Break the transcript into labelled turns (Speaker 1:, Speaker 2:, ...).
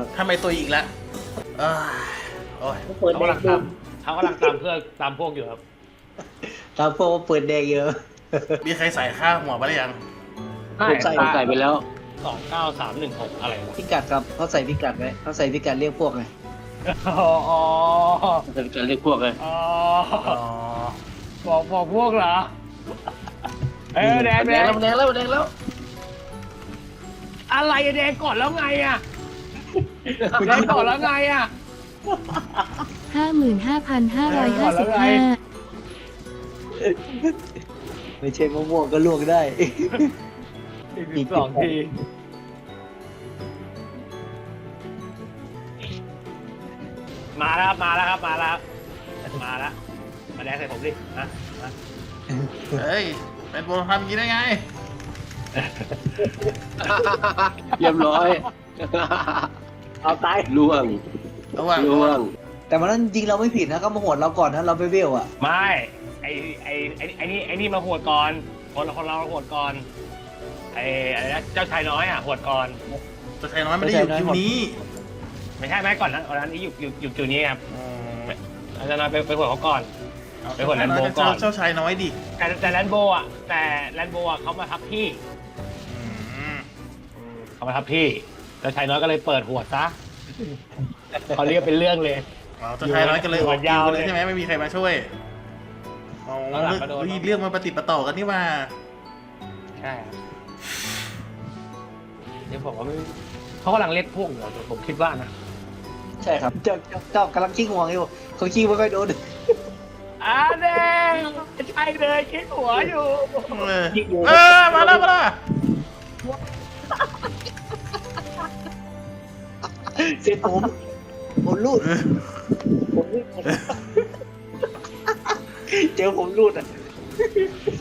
Speaker 1: ครับ
Speaker 2: ทำไมตัวอีกแล้วเอ้ยโอ้ย
Speaker 1: เปิด
Speaker 3: เขา
Speaker 1: แด
Speaker 3: กำลั
Speaker 1: ง
Speaker 3: งตามเขากำลังตามเพื่อตามพวกอยู่ครับ
Speaker 1: ตามพวกเปิดแดงเยอะ
Speaker 2: มีใครใส่ข้าวหัวไปหรือยัง
Speaker 1: ผมใส่ไปแล้ว
Speaker 3: 29316อะไรวะ
Speaker 1: พิกัดครับเขาใส่พิกัดไว้เขาใส่พิกัดเรียกพวกไง
Speaker 3: อ๋อ
Speaker 1: ใส่พิกัดเรียกพวกไง
Speaker 3: อ๋อ
Speaker 2: อ๋อ
Speaker 3: บอกพวกเหรอแดง
Speaker 1: แดงแล้วแดงแล้ว
Speaker 3: อะไรอะแดงก่อนแล้วไงอะแดงก่อนแล้วไงอะ
Speaker 4: 55,555
Speaker 1: ไม่ใช่มะม่วงก็ลวกได้
Speaker 3: อีก2 ทีมาแล้วครับมาแล้วมาแล้วมาแดงใส่ผมดินะ
Speaker 2: เฮ้ยเป็นโปรทำอย่างนี้ได้ไง
Speaker 1: เรียบร้อย เอาตายล่วง
Speaker 2: ระหว่าง
Speaker 1: ล่วง แต่มันนั้นจริงเราไม่ผิดนะก็มาโหดเราก่อนนะเราไปเวลอ่ะ
Speaker 3: ไม่ไอ้นี่มาหวดก่อนคนเราหวดก่อนอะไรนะเจ้าชายน้อยอ่ะหวดก่อน
Speaker 2: ตัวชายน้อยไม่ได้อยู่คิวนี้
Speaker 3: ไม่ใช่ไหมก่อนนั้นนี้อยู่จุดนี้ครับ
Speaker 2: อ๋อ
Speaker 3: อาจารย์น้อยไปหวดเขาก่อน
Speaker 2: เอา
Speaker 3: ไปกดแลนโบก่อน
Speaker 2: เจ้าชายน้อยดิ
Speaker 3: แต่แลนโบอ่ะเขามาทับพี่
Speaker 2: อืม
Speaker 3: เขามาทับพี่เจ้าชายน้อยก็เลยเปิดหวดซะเขาเรียกเป็นเรื่องเลย
Speaker 2: อ๋อเจ้าชายน้อยก็เลยออก
Speaker 3: ยาว
Speaker 2: คิว
Speaker 3: เลย
Speaker 2: ใช่ไหมไม่มีใครมาช่วยอ๋อ
Speaker 3: แล้วหลังก็โดน
Speaker 2: เรื่องมันปฏิดปะต่อกันนี่มา
Speaker 3: ใช่ครับเดี๋ยวผมว่าเขากำลังเรียกพวกอยู่ผมคิดว่านะ
Speaker 1: ใช่ครับเจ้ากำลังขี้ห่วงอยู่เขาขี้ไม่ค่อยโดน
Speaker 3: แดงใช่เลยคิดหัวอยู่
Speaker 2: มาแล้ว
Speaker 1: เสร็จผมรูดผมรูดเจอผมรูดอ่ะ